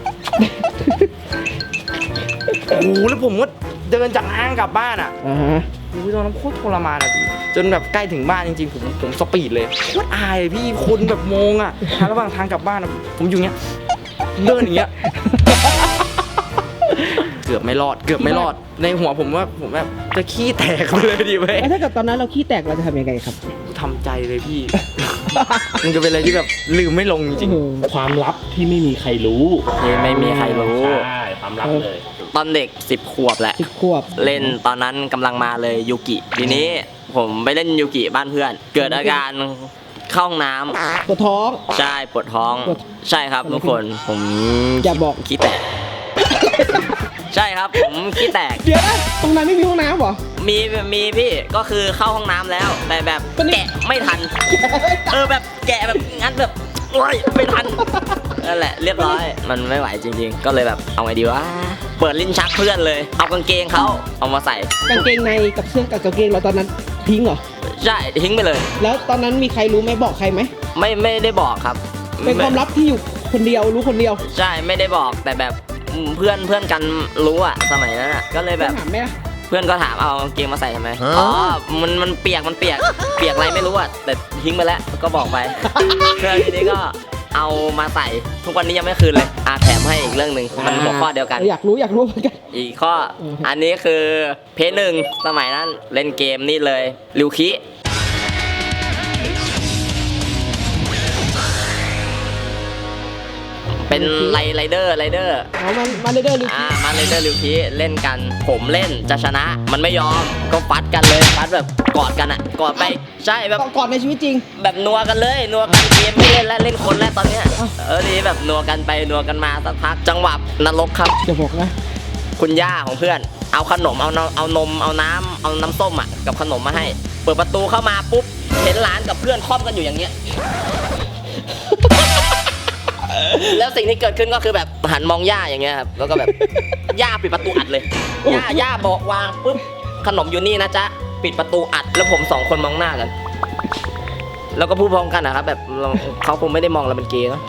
[SPEAKER 7] โอ้โหแล้วผมก็เดินจากห้างกลับบ้านอ่ะ
[SPEAKER 4] อ่าฮะ
[SPEAKER 7] โอ้ยตอนนั้นโคตรทรมานอ่ะพี่จนแบบใกล้ถึงบ้านจริงๆผมผมสปีดเลยโคตรอายพี่คนแบบมองอ่ะทางระหว่างทางกลับบ้านอะผมอยู่เงี้ยเดินอย่างเงี้ย เกือบไม่รอด เกือบไม่รอด ในหัวผมว่าผมแบบจะขี้แตกไปเลยดีไหม
[SPEAKER 4] แล้วถ้าเกิดตอนนั้นเราขี้แตกเราจะทำยังไงครับ
[SPEAKER 7] ทำใจเลยพี่
[SPEAKER 2] มันจะเป็นอะไรที่แบบลืมไม่ลงจริง
[SPEAKER 5] ความลับที่ไม่มีใครรู้
[SPEAKER 3] ที่ไม่มีใครรู้
[SPEAKER 5] ใช่ความลับเลย
[SPEAKER 3] ตอนเด็กสิบขวบแหละ
[SPEAKER 4] สิบขวบ
[SPEAKER 3] เล่นตอนนั้นกำลังมาเลยยูกิทีนี้ผมไปเล่นยูกิบ้านเพื่อน เกิดอาการเข้าห้องน้ำ
[SPEAKER 4] ปวดท้อง
[SPEAKER 3] ใช่ปวดท้อง
[SPEAKER 4] ปวด
[SPEAKER 3] ใช่ครับทุกคนผม
[SPEAKER 4] อย่าบอก
[SPEAKER 3] ขี้แตก ใช่ครับผมขี้แตก
[SPEAKER 4] เดี๋ยวนะตรงนั้นไม่มีห้องน้ำเหรอ
[SPEAKER 3] มีมีพี่ก็คือเข้าห้องน้ำแล้ว แต่แบบ
[SPEAKER 4] ตอนนี้
[SPEAKER 3] แกะไม่ทัน เออแบบแกะแบบงั้นแบบโอ้ยไม่ทันนั่นแหละเรียบร้อยมันไม่ไหวจริง ๆ ก็เลยแบบเอาไงดีวะเปิดลิ้นชักเพื่อนเลย เอากางเกงเขาเอามาใส่
[SPEAKER 4] กางเกงในกับเสื้อกับกางเกงเราตอนนั้นทิ้งเหรอ
[SPEAKER 3] ใช่ทิ้งไปเลย
[SPEAKER 4] แล้วตอนนั้นมีใครรู้ไหมบอกใครไหม
[SPEAKER 3] ไม่ไม่ได้บอกครับ
[SPEAKER 4] เป็นความลับที่อยู่คนเดียวรู้คนเดียว
[SPEAKER 3] ใช่ไม่ได้บอกแต่แบบเพื่อนเพื่อนกันรู้อะสมัยนั้นอะก็เลยแบบ
[SPEAKER 4] ถามไหมล่ะ
[SPEAKER 3] เพื่อนก็ถามเอากางเกงมาใส่ทำไมอ๋อมันมันเปียกมันเปียกเปียกอะไรไม่รู้อะแต่ทิ้งไปแล้วก็บอกไป เพื่อนทีนี้ก็เอามาใส่ทุกวันนี้ยังไม่คืนเลยอ่ะแถมให้อีกเรื่องหนึ่งมันหัวข้อเดียวกัน
[SPEAKER 4] อยากรู้อยากรู้เหมือนกัน
[SPEAKER 3] อีกข้อ
[SPEAKER 4] อืม
[SPEAKER 3] อันนี้คือเพจหนึ่งสมัยนั้นเล่นเกมนี่เลยริวคิเป็นไรไรเดอร์ไรเดอร์
[SPEAKER 4] เอามามาเรื่อยๆดู
[SPEAKER 3] อ่ามาไรเดอร์ริวคิเล่นกันผมเล่นจะชนะ มันไม่ยอมก็ฟัดกันเลยฟัดแบบกอดกันอ่ะกอดไปใช่แบบ
[SPEAKER 4] ก่อนในชีวิตจริง
[SPEAKER 3] แบบนัวกันเลยนัวกันเกมไม่เล่นแล้วเล่นคนแล้วตอนเนี้ยเออทีนี้แบบนัวกันไปนัวกันมาสักพักจังหวะนรกครับ
[SPEAKER 4] อย่าบอกนะ
[SPEAKER 3] คุณย่าของเพื่อน เอาขนมเอานมเอานมเอาน้ำเอาน้ำส้มอ่ะกับขนมมาให้ เปิดประตูเข้ามาปุ๊บเห็นหลานกับเพื่อนคล่อมกันอยู่อย่างเงี้ย แล้วสิ่งที่เกิดขึ้นก็คือแบบหันมองย่าอย่างเงี้ยครับแล้วก็แบบย่าปิดประตูอัดเลยย่าย่าบอกวางปุ๊บขนมอยู่นี่นะจ๊ะปิดประตูอัดแล้วผมสองคนมองหน้ากัน แล้วก็พูดพร้อมกันนะครับแบบเราเขาคงไม่ได้มองเราเป็นเกย์เนาะ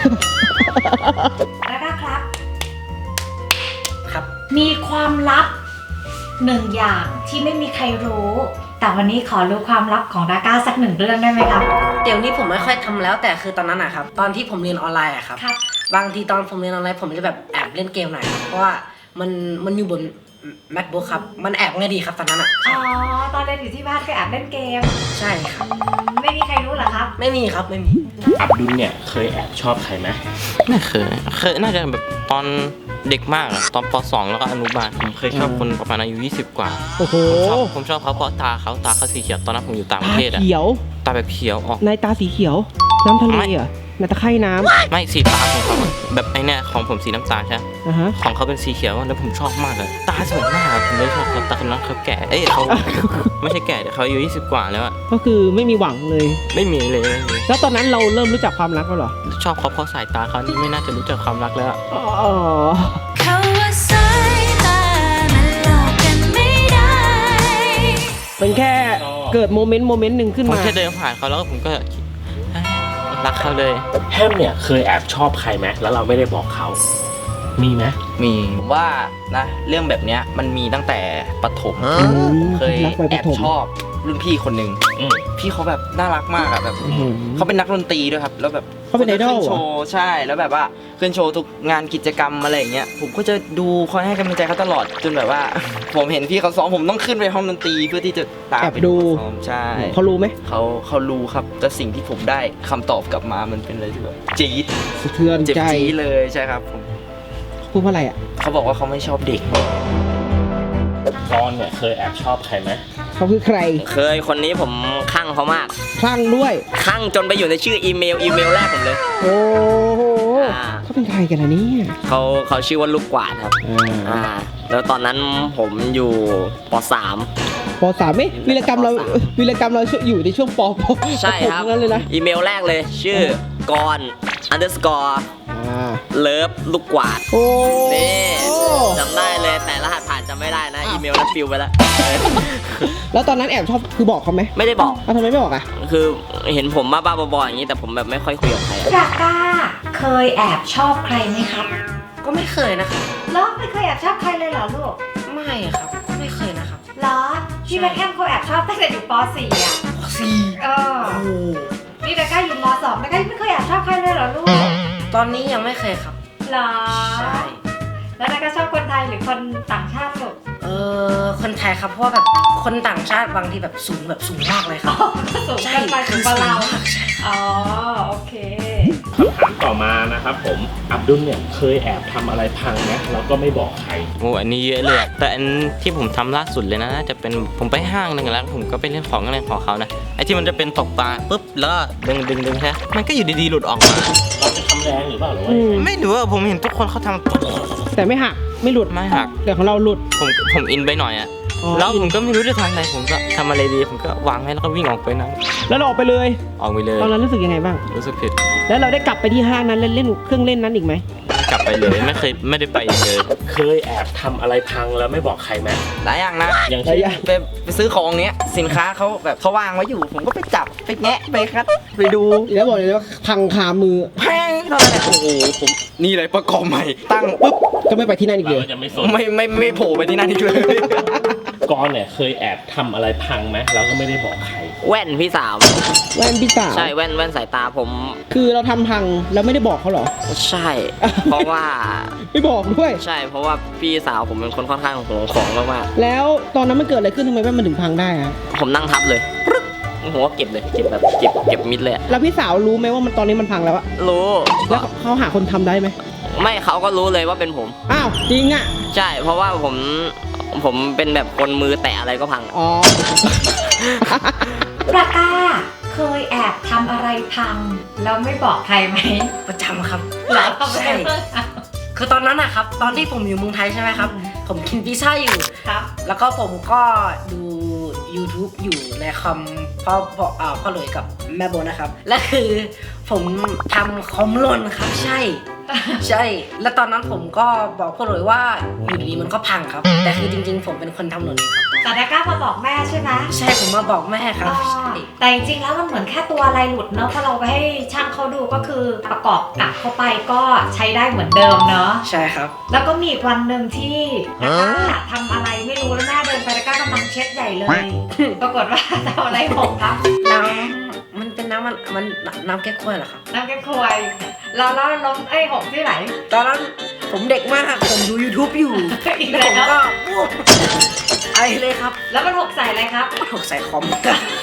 [SPEAKER 1] แล้วก็ครับ
[SPEAKER 6] ครับ
[SPEAKER 1] มีความลับหนึ่งอย่างที่ไม่มีใครรู้ แต่วันนี้ขอรู้ความลับของดาก้าสักหนึ่งเรื่องได้ไหมครับ
[SPEAKER 6] เดี๋ยวนี้ผมไม่ค่อยทำแล้วแต่คือตอนนั้นอะครับตอนที่ผมเรียนออนไลน์อะครับ
[SPEAKER 1] ครับ
[SPEAKER 6] บางทีตอนผมเรียนออนไลน์ผมจะแบบแอบเล่นเกมหน่อยครับเพราะว่ามันมันอยู่บน MacBook ครับมันแอบง่ายดีครับตอนนั้นอะ
[SPEAKER 1] อ๋อ ตอนเรียนอยู่ที่บ้านก็แอบเล่นเกม
[SPEAKER 6] ใช่ครับ
[SPEAKER 1] อืมไม่มีใครรู้เหรอครับ
[SPEAKER 6] ไม่มีครับไม่มี
[SPEAKER 5] อับดุลเนี่ยเคยแอบชอบใครไหม
[SPEAKER 2] ไม่เคยเคยน่าจะแบบตอนเด็กมากอะตอนป สองแล้วก็อนุบาลผมเคยชอบคนประมาณอายุยี่สิบกว่า
[SPEAKER 4] โอ้โห
[SPEAKER 2] ผมชอบผมชอบเขาเพราะตาเขาตาเขาสีเขียวตอนนั้นผมอยู่ต่างประ
[SPEAKER 4] ตา
[SPEAKER 2] เทศอะ
[SPEAKER 4] เขียว
[SPEAKER 2] ตาแบบเขียวออก
[SPEAKER 4] ในตาสีเขียว น้ำทะเล
[SPEAKER 2] ไม่
[SPEAKER 4] เหรอในตะไคร่น้ำ
[SPEAKER 2] ไม่สีตาของเขาอะแบบไอเนี่ยของผมสีน้ำตาลใช่ไหม
[SPEAKER 4] อ่ะฮะ
[SPEAKER 2] ของเขาเป็นสีเขียวแล้วผมชอบมากเลยตาสวยมากผมเลยชอบเขาตาคนนั้นเขาแก่เอ้ยเขา ไม่ใช่แก่แต่เขาอายุยี่สิบกว่าแล้วอะ
[SPEAKER 4] ก็คือไม่มีหวังเลย
[SPEAKER 2] ไม่มีเลยไม่มี
[SPEAKER 4] แล้วตอนนั้นเราเริ่มรู้จักความรักแล้วเหรอ
[SPEAKER 2] ชอบเขาเพราะสายตาเขานี่ไม่น่าจะรู้จักความรักแล้วอะ
[SPEAKER 4] อ๋อ
[SPEAKER 8] เขาว่าสายตามันหลอกกันไม่ได้
[SPEAKER 4] เป็นแค่เกิดโมเมนต์โมเมนต์หนึ่งขึ้น
[SPEAKER 2] ผม
[SPEAKER 4] มา
[SPEAKER 2] แค่เดินผ่านเขาแล้วก็ผมก็คิดเอ้ยรักเขาเลย
[SPEAKER 5] แฮมเนี่ยเคยแอบชอบใครไหมแล้วเราไม่ได้บอกเขา มีไหม
[SPEAKER 7] มีผมว่านะเรื่องแบบเนี้ยมันมีตั้งแต่ประถม
[SPEAKER 4] อืม
[SPEAKER 7] เคย
[SPEAKER 4] รักไปป
[SPEAKER 7] แอ
[SPEAKER 4] ระ
[SPEAKER 7] บ
[SPEAKER 4] ถม
[SPEAKER 7] ชอบรุ่นพี่คนหนึ่ง
[SPEAKER 5] อืม
[SPEAKER 7] พี่เขาแบบน่ารักมากอะแบบ
[SPEAKER 4] อื้อหือ
[SPEAKER 7] เขาเป็นนักดนตรีด้วยครับ แล้วแบบ
[SPEAKER 4] เขาเป็นไอดอล
[SPEAKER 7] ขึ้น
[SPEAKER 4] เหรอ
[SPEAKER 7] โชว์ใช่แล้วแบบว่าขึ้นโชว์ทุกงานกิจกรรมอะไรอย่างเงี้ยผมก็จะดูคอยให้กำลังใจเขาตลอดจนแบบว่า ผมเห็นพี่เขาซ้อมผมต้องขึ้นไปห้องดนตรีเพื่อที่จะตาม
[SPEAKER 4] แอบ
[SPEAKER 7] ไป
[SPEAKER 4] ดู
[SPEAKER 7] เขาซ้อมใช่
[SPEAKER 4] เขารู้ไหม
[SPEAKER 7] เขาเขารู้ครับแต่สิ่งที่ผมได้คำตอบกลับมามันเป็นอะไรที่แบบจี๊ด
[SPEAKER 4] สะเทือน
[SPEAKER 7] เจ็บ
[SPEAKER 4] ใจ
[SPEAKER 7] จี๊ดเลยใช่ครับผม
[SPEAKER 4] พูดว่าอะไรอ่ะ
[SPEAKER 7] เขาบอกว่าเขาไม่ชอบเด็ก
[SPEAKER 5] กอนเนี่ยเคยแอบชอบใครไหม
[SPEAKER 4] เขาคือใคร
[SPEAKER 3] เคยคนนี้ผมคลั่งเขามาก
[SPEAKER 4] คลั่งด้วย
[SPEAKER 3] คลั่งจนไปอยู่ในชื่ออีเมลอีเมลแรกผมเลย
[SPEAKER 4] โอ้โห
[SPEAKER 3] อ่า
[SPEAKER 4] เขาเป็นใครกันล่ะเนี่ย
[SPEAKER 3] เขาเขาชื่อว่าลูกกวาดครับ
[SPEAKER 4] อ่า
[SPEAKER 3] อ่าแล้วตอนนั้นผมอยู่ป .สาม
[SPEAKER 4] ปสามเอ๊ะวีรกรรมเรา
[SPEAKER 3] ปสาม
[SPEAKER 4] วีรกรรมเราอยู่ในช่วงปป
[SPEAKER 3] ใช่ครับ
[SPEAKER 4] ปนั้นเลยนะ
[SPEAKER 3] อีเมลแรกเลยชื่อกอน underscore
[SPEAKER 4] อ่า
[SPEAKER 3] เลิฟลูกกวาด
[SPEAKER 4] โอ้
[SPEAKER 3] นี่จำได้เลยแต่รหัสผ่านจำไม่ได้นะ อีเมลนั้นปิวไปแล้ว
[SPEAKER 4] แล้วตอนนั้นแอบชอบคือบอกเขาไหม
[SPEAKER 3] ไม่ได้บอก
[SPEAKER 4] อ้าวทำไมไม่บอกอ่ะ
[SPEAKER 3] คือเห็นผมบ้าๆบอๆอย่างนี้แต่ผมแบบไม่ค่อยคุยกับใครอะ
[SPEAKER 1] ดาก้าเคยแอบชอบใครไหมครับ
[SPEAKER 6] ก็ไม่เคยนะครับ
[SPEAKER 1] แล้วไม่เคยแอบชอบใครเลยเหรอลูก
[SPEAKER 6] ไม่ครับก็ไม่เคยนะครับ
[SPEAKER 1] เหรอพี่แมคแคมเขาแอบชอบตั้งแต่อยู่ป .สี่ อ่ะ
[SPEAKER 6] สี่
[SPEAKER 1] เออ
[SPEAKER 6] โอ้โห
[SPEAKER 1] นี่ดาก้าอยู่ม .สอง ดาก้าไม่เคยแอบชอบใครเลยเหรอลูก
[SPEAKER 6] ตอนนี้ยังไม่เคยครับ
[SPEAKER 1] เหรอ
[SPEAKER 6] ใช่
[SPEAKER 1] แล้วดาก้าชอบคนไทยหรือคนต่างชาติลูก
[SPEAKER 6] เอออคนไทยครับเพราะว่าแบบคนต่างชาติบางทีแบบสูงแบบสูงมากเลยครับ
[SPEAKER 1] สูง
[SPEAKER 6] ใช่
[SPEAKER 1] กันไปถึงกว่าเรา
[SPEAKER 6] สูงมากใช่
[SPEAKER 1] อ๋อโอเค
[SPEAKER 5] คำถามต่อมานะครับผมอับดุลเนี่ยเคยแอบทำอะไรพังไหมแล้วก็ไม่บอกใคร
[SPEAKER 2] โอ้อันนี้เยอะเลยอะแต่อันที่ผมทำล่าสุดเลยนะน่าจะเป็นผมไปห้างหนึ่งแล้วผมก็ไปเล่นของอะไรของเขานะไอ้ที่มันจะเป็นตกปลาปุ๊บแล้วก็ดึงดึงดึงใช่ไหมมันก็อยู่ดีๆหลุดออกมา
[SPEAKER 5] เราจะทำแรงหรือเปล่าหรือว่า
[SPEAKER 4] อืม
[SPEAKER 2] ไม่รู้ว่าผมเห็นทุกคนเขาท
[SPEAKER 4] แต่ไม่หักไม่หลุด
[SPEAKER 2] ำไม่หัก
[SPEAKER 4] แต่ของเราหลุด
[SPEAKER 2] ผมผมอินไปหน่อยอะ
[SPEAKER 4] อ๋อ
[SPEAKER 2] แล้วผมก็ไม่รู้จะทำอะไรผมก็ทำอะไรดีผมก็วางไว้แล้วก็วิ่งออกไปนั่ง
[SPEAKER 4] แล้วเราออกไปเลย
[SPEAKER 2] ออกไปเลย
[SPEAKER 4] ตอนนั้นรู้สึกยังไงบ้าง
[SPEAKER 2] รู้สึกผิด
[SPEAKER 4] แล้วเราได้กลับไปที่ห้างนั้นเล่นเล่นเครื่องเล่นนั้นอีกไหม
[SPEAKER 2] กลับไปเลยไม่เคยไม่ได้ไปอีกเลย
[SPEAKER 5] เคยแอบทำอะไรพังแล้วไม่บอกใครไหม
[SPEAKER 7] หลายอย่างนะ
[SPEAKER 5] อย่างเช่น
[SPEAKER 7] ไปไปซื้อของเนี้ยสินค้าเขาแบบเขาวางไว้อยู่ ผมก็ไปจับไปแงะไปคัดไปดู
[SPEAKER 4] แล้วบอกเลยว่าพังคามือ
[SPEAKER 7] แพงเท่าไหร่โอ้โหผมนี่เลยประกอบใหม่ ตั้งปุ๊บ
[SPEAKER 4] ก็ไม่ไปที่นั่นอีกเล
[SPEAKER 5] เรา
[SPEAKER 4] ย
[SPEAKER 5] จะไม่สน
[SPEAKER 7] ไม่ไม่ไม่โผล่ไปที่นั่นอีกเลย
[SPEAKER 5] กอนเนี่ยเคยแอบทำอะไรพังไหมแล้วก็ไม่ได้บอกใคร
[SPEAKER 3] แว่นพี่สาว
[SPEAKER 4] แว่นพี่สาว
[SPEAKER 3] ใช่แว่นแว่นสายตาผม
[SPEAKER 4] คือเราทำพังแล้วไม่ได้บอกเขาเหรอ
[SPEAKER 3] ใช่ เพราะว่า
[SPEAKER 4] ไม่บอกด้วย
[SPEAKER 3] ใช่เพราะว่าพี่สาวผมเป็นคนค่อนข้างห่วงของมาก
[SPEAKER 4] แล้วตอนนั้นมันเกิดอะไรขึ้นทำไมแว่นมันถึงพังได้อะ
[SPEAKER 3] ๆผมนั่งทับเลยปึ๊กผมก็เก็บเลยเก็บแบบเก็บเก็บมิดเลยอะ
[SPEAKER 4] แล้วพี่สาวรู้ไหมว่ามันตอนนี้มันพังแล้วอะ
[SPEAKER 3] รู้
[SPEAKER 4] แล้วเขาหาคนทำได้ไหม
[SPEAKER 3] ไม่เขาก็รู้เลยว่าเป็นผม
[SPEAKER 4] อ้าวจริงอะ
[SPEAKER 3] ใช่ เพราะว่าผมผมเป็นแบบคนมือแตะอะไรก็พัง
[SPEAKER 4] อ๋อ
[SPEAKER 1] ปลาก้าเคยแอบทำอะไรพังแล้วไม่บอกใครไหม
[SPEAKER 6] ประจำครับ
[SPEAKER 1] หรอทำไม
[SPEAKER 6] ใช่
[SPEAKER 1] เพิ่งอะ
[SPEAKER 6] คือตอนนั้นนะครับตอนที่ผมอยู่เมืองไทยใช่ไหมครับ ผมกินพิซซ่าอยู่
[SPEAKER 1] ครับ
[SPEAKER 6] แล้วก็ผมก็ดู YouTube อยู่ในคอมพ่อพ่ออ่าพ่อหลุยกับแม่โบนะครับ และคือผมทำคอมหล่นครับใช่ ใช่ แล้วตอนนั้นผมก็บอกพ่อหลุยว่าอยู่ดีๆมันก็พังครับ แต่คือจริงๆ ผมเป็นคนทำหล่นเองครับ
[SPEAKER 1] แต่ดาก้ามาบอกแม่ใช่ไหม
[SPEAKER 6] ใช่ผมมาบอกแม่ครับ
[SPEAKER 1] อ๋อ
[SPEAKER 6] ใช่
[SPEAKER 1] แต่จริงๆแล้วมันเหมือนแค่ตัวอะไรหลุดเนอะพอเราไปให้ช่างเขาดูก็คือประกอบกลับเข้าไปก็ใช้ได้เหมือนเดิมเนอะ
[SPEAKER 6] ใช่ครับ
[SPEAKER 1] แล้วก็มีอีกวันหนึ่งที่ดาก้าทำอะไรไม่รู้แล้วแม่เดินไปดาก้ากำลังเช็ดใหญ่เลย ปรากฏว่าทำอะไรหกครับ
[SPEAKER 6] น้ำมันเป็นน้ำมันมันน้ำแก้ควยเหรอครับ
[SPEAKER 1] น้ำแกงควยเราแล้วล้มไอ้หกที่ไหน
[SPEAKER 6] ตอนนั้นผมเด็กมากผมดู YouTube อยู่
[SPEAKER 1] อีก
[SPEAKER 6] แล้ว
[SPEAKER 1] แล้
[SPEAKER 6] ผม
[SPEAKER 1] ว
[SPEAKER 6] ก็ปุ๊บไอเลยครับ
[SPEAKER 1] แล้วมันหกใส่อะไรครับ
[SPEAKER 6] ถกใส่คอม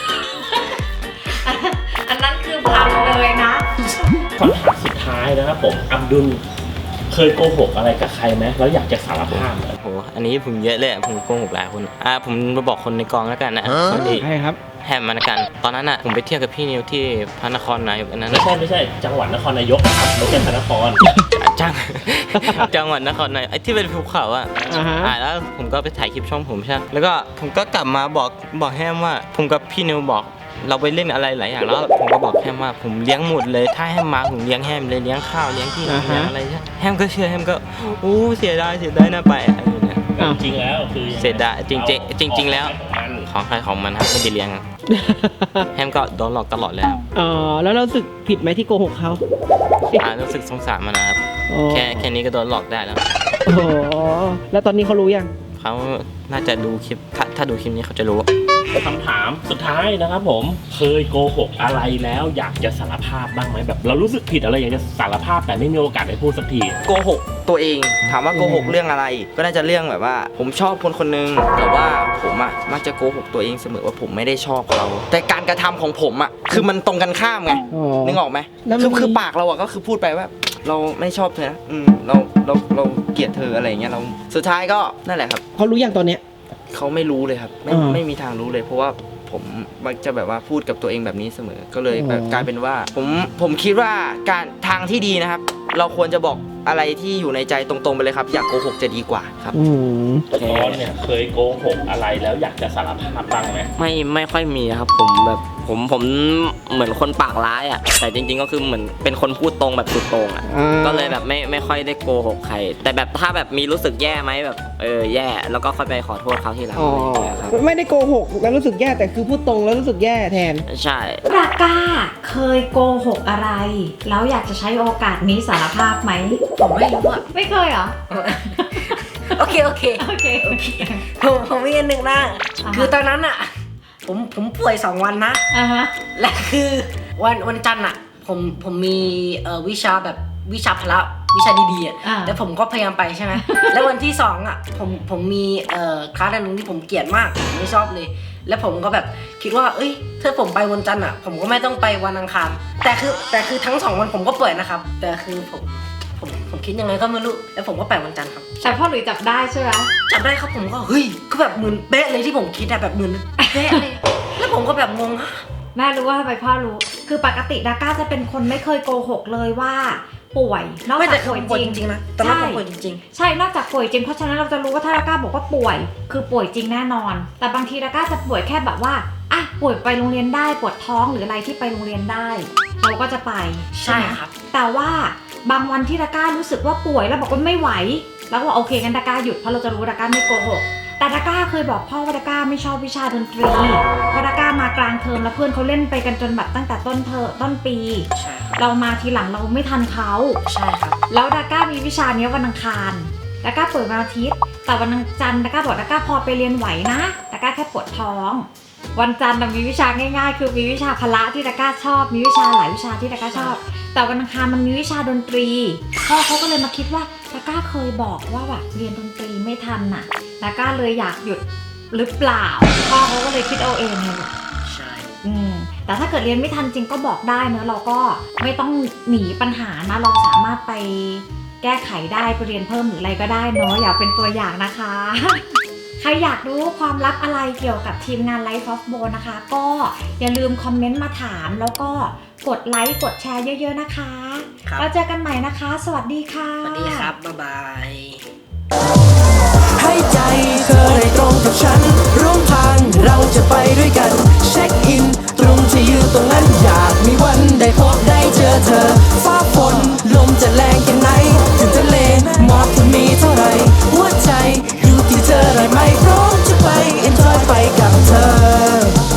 [SPEAKER 1] อันนั้นคือพังเลยนะ
[SPEAKER 5] คำถามสุดท้ายนะครับผมอับดุลเคยโกหกอะไรกับใครไหมแล้วอยากจะสารภาพไหม
[SPEAKER 2] โอ้โหอันนี้ผมเยอะเลยอะผมโกหกหลายคนอ่าผมมาบอกคนในกองแล้วกันนะสวัสดี
[SPEAKER 4] ใช่ครับ
[SPEAKER 2] แฮมมาแล้วกัน ตอนนั้นอ่ะผมไปเที่ยวกับพี่นิวที่พระนครนายกอันนั้น
[SPEAKER 5] ไม่
[SPEAKER 2] อะ
[SPEAKER 5] ใช่ไม่ใช่จังหวัดนครนายกครับไม่ใช่พระนคร
[SPEAKER 2] จัง จังหวัดนครนายกไอ้ที่เป็นภูเขาอ่ะ
[SPEAKER 4] อ่าฮะ
[SPEAKER 2] อ่าแล้วผมก็ไปถ่ายคลิปช่องผมใช่ไหมแล้วก็ผมก็กลับมาบอกบอกแฮมว่า ผมกับพี่นิวบอก เราไปเล่นอะไรหลายอย่างแล้วผมก็บอกแฮมว่าผมเลี้ยงหมดเลยถ้าแฮมมาผมเลี้ยงแฮมเลยเลี้ยงข้าวเลี้ยงที่นอน
[SPEAKER 4] อ่าฮะ
[SPEAKER 2] เลี้ยงอะไรใช่แฮมก็เชื่อแฮมก็อู้เสียดายเสียดายน่าไปอะไรอย่างเงี้ย
[SPEAKER 4] อ้าว
[SPEAKER 5] จริงๆแล้วคือยังไง
[SPEAKER 2] เสียดายจริงๆจริงๆแล้ว
[SPEAKER 5] ของใครของมัน
[SPEAKER 2] ของใครของมันครับไม่ได้เลี้ยงอะแฮมก็โดนหลอกตลอดเลยครับ
[SPEAKER 4] อ๋อแล้วเรารู้สึกผิดไหมที่โกหกเขา
[SPEAKER 2] อ่ารู้สึกสงสารมันนะครับ
[SPEAKER 4] อ๋อ
[SPEAKER 2] แค่แค่นี้ก็โดนหลอกได้แล้ว
[SPEAKER 4] โอ้โหแล้วตอนนี้เขารู้ยัง
[SPEAKER 2] เขาน่าจะดูคลิปถ้าถ้าดูคลิปนี้เขาจะรู้
[SPEAKER 5] คำถามสุดท้ายนะครับผมเคยโกหกอะไรแล้วอยากจะสารภาพบ้างไหมแบบ เรารู้สึกผิดอะไรอยากจะสารภาพแต่ไม่มีโอกาสได้พูดสักที
[SPEAKER 7] โกหกตัวเองถามว่าโกหกเรื่องอะไร ก็น่าจะเรื่องแบบว่า ผมชอบคนคนหนึงแต่ว่าผมอะมักจะโกหกตัวเองเสมอว่าผมไม่ได้ชอบเขาแต่การกระทำของผมอะคือมันตรงกันข้ามไง
[SPEAKER 4] อ๋อ
[SPEAKER 7] นึกออกไหม
[SPEAKER 4] แล้วมัน
[SPEAKER 7] คือ
[SPEAKER 4] มี
[SPEAKER 7] คือปากเราอะก็คือพูดไปว่า เราไม่ชอบเธอนะอืมเราเราเราเกลียดเธออะไรอย่างเงี้ยเราสุดท้ายก็นั่นแหละครับ
[SPEAKER 4] เขารู้ยังตอนเนี้ย
[SPEAKER 7] เขาไม่รู้เลยครับไม่
[SPEAKER 4] อ่า
[SPEAKER 7] ไม่มีทางรู้เลย เพราะว่าผมมักจะแบบว่าพูดกับตัวเองแบบนี้เสมอ ก็เลยแบบ
[SPEAKER 4] อ๋อ
[SPEAKER 7] กลายเป็นว่า ผมผมคิดว่าการทางที่ดีนะครับ เราควรจะบอกอะไรที่อยู่ในใจตรงๆไปเลยครับ อย่าโกหกจะดีกว่าครับ
[SPEAKER 4] อืม
[SPEAKER 5] ตอนเนี่ยเคยโกหกอะไรแล้วอยากจะสารภาพบ้างไหม
[SPEAKER 3] ไม่ไม่ค่อยมีครับผมแบบผมผมเหมือนคนปากร้ายอ่ะแต่จริงๆก็คือเหมือนเป็นคนพูดตรงแบบสุดตรงอ่ะ
[SPEAKER 4] อ่า
[SPEAKER 3] ก็เลยแบบไม่ไม่ค่อยได้โกหกใคร แต่แบบถ้าแบบมีรู้สึกแย่ไหมแบบเออแย่แล้วก็ค่อยไปขอโทษเขาทีหลัง
[SPEAKER 4] อ๋อ
[SPEAKER 3] อะไรอย่างเงี้ยครับ
[SPEAKER 4] ไม่ได้โกหกแล้วรู้สึกแย่แต่คือพูดตรงแล้วรู้สึกแย่แทน
[SPEAKER 3] ใช่
[SPEAKER 1] ปลาก้าเคยโกหกอะไร แล้วอยากจะใช้โอกาสนี้สารภาพไหม
[SPEAKER 6] ผมไม่รู้อะ
[SPEAKER 1] ไม่เคยเหรอ
[SPEAKER 6] โอเคโอเค
[SPEAKER 1] โอเคโอเค
[SPEAKER 6] ผมผมมีอันหนึ่งนะ
[SPEAKER 1] อ่าฮะ
[SPEAKER 6] คือตอนนั้นอะผมผมป่วยสองวันนะ
[SPEAKER 1] อ่าฮะ
[SPEAKER 6] และคือวันวันจันทร์อะผมผมมีเอ่อวิชาแบบวิชาพละวิชาดีๆอ่ะ
[SPEAKER 1] อ่า
[SPEAKER 6] แล้วผมก็พยายามไปใช่ไหม แล้ววันที่สองอ่ะผมผมมีเอ่อคลาสอันหนึงที่ผมเกลียดมากผมไม่ชอบเลย แล้วผมก็แบบคิดว่าเอ้ยถ้าผมไปวันจันทร์อ่ะผมก็ไม่ต้องไปวันอังคารแต่คือแต่คือทั้งสองวันผมก็เปิดนะครับ แต่คือผมผมผมคิดยังไงก็ไม่รู้แล้วผมก็ไปวันจันทร์ครับ
[SPEAKER 1] แต่พ่อหลุยจับได้ใช่ไหม
[SPEAKER 6] จำได้ครับผมก็เฮ้ยก็แบบเหมือนเป๊ะเลยที่ผมคิดอะแบบเหมือนเป๊ะเลย แล้วผมก็แบบงง
[SPEAKER 1] แม่รู้ว่าทำไมพ่อรู้ คือปกติดาก้าจะเป็นคนไม่เคยโกหกเลยว่าป่วย นอก
[SPEAKER 6] ไม่
[SPEAKER 1] จา
[SPEAKER 6] แต่
[SPEAKER 1] ก
[SPEAKER 6] คือ
[SPEAKER 1] ป่วย
[SPEAKER 6] ป่วย
[SPEAKER 1] จ
[SPEAKER 6] จ
[SPEAKER 1] ริง
[SPEAKER 6] ริงๆนะตอนนั้น
[SPEAKER 1] ใช่
[SPEAKER 6] ผมป่วยจริง
[SPEAKER 1] ใช่ นอกจากป่วยจริง เพราะฉะนั้นเราจะรู้ว่าถ้าดาก้าบอกว่าป่วย คือป่วยจริงแน่นอน แต่บางทีดาก้าจะป่วยแค่แบบว่า อ่ะ ป่วยไปโรงเรียนได้ ปวดท้องหรืออะไรที่ไปโรงเรียนได้ เราก็จะไป
[SPEAKER 6] ๆ ใช่
[SPEAKER 1] ไหม
[SPEAKER 6] ครับ
[SPEAKER 1] แต่ว่าบางวันที่ดาก้ารู้สึกว่าป่วยแล้วบอกว่าไม่ไหว แล้วก็โอเคงั้นดาก้าหยุดเพราะเราจะรู้ว่าดาก้าไม่โกหก แต่ดาก้าเคยบอกพ่อว่าดาก้าไม่ชอบวิชาดนตรีเพราะดาก้ามากลางเทอมแล้วเพื่อนเขาเล่นไปกันจนแบบตั้งแต่ต้นเทอมต้นปี
[SPEAKER 6] ใช่ครับ
[SPEAKER 1] เรามาทีหลังเราไม่ทันเขา
[SPEAKER 6] ใช่ครับ
[SPEAKER 1] แล้วดาก้ามีวิชาเนี้ยวันอังคารดาก้าเปิดวันอาทิตย์ แต่วันจันทร์ดาก้าบอกดาก้าพอไปเรียนไหวนะดาก้าแค่ปวดท้อง วันจันทร์น่ะมีวิชาง่ายๆ คือมีวิชาพละที่ดาก้าชอบ มีวิชาหลายวิชาที่ดาก้าชอบ แต่วันอังคารมันมีวิชาดนตรีพ่อเขาก็เลยมาคิดว่าดาก้าเคยบอกว่าแบบเรียนดนตรีไม่ทันน่ะดาก้าเลยอยากหยุดหรือเปล่าพ่อเขาก็เลยคิดเอาเองเลย
[SPEAKER 6] ใช่
[SPEAKER 1] อืมแต่ถ้าเกิดเรียนไม่ทันจริงก็บอกได้เนอะเราก็ไม่ต้องหนีปัญหานะเราสามารถไปแก้ไขได้ไปเรียนเพิ่มหรืออะไรก็ได้เนอะอย่าเป็นตัวอย่างนะคะ ใครอยากรู้ความลับอะไรเกี่ยวกับทีมงาน Life of Bo นะคะ ก็อย่าลืมคอมเมนต์มาถามแล้วก็กดไลค์กดแชร์เยอะๆนะคะ
[SPEAKER 6] ครับ
[SPEAKER 1] แล้วเจอกันใหม่นะคะ สวัสดีค่ะ
[SPEAKER 6] สวัสดีครับ บ๊ายบาย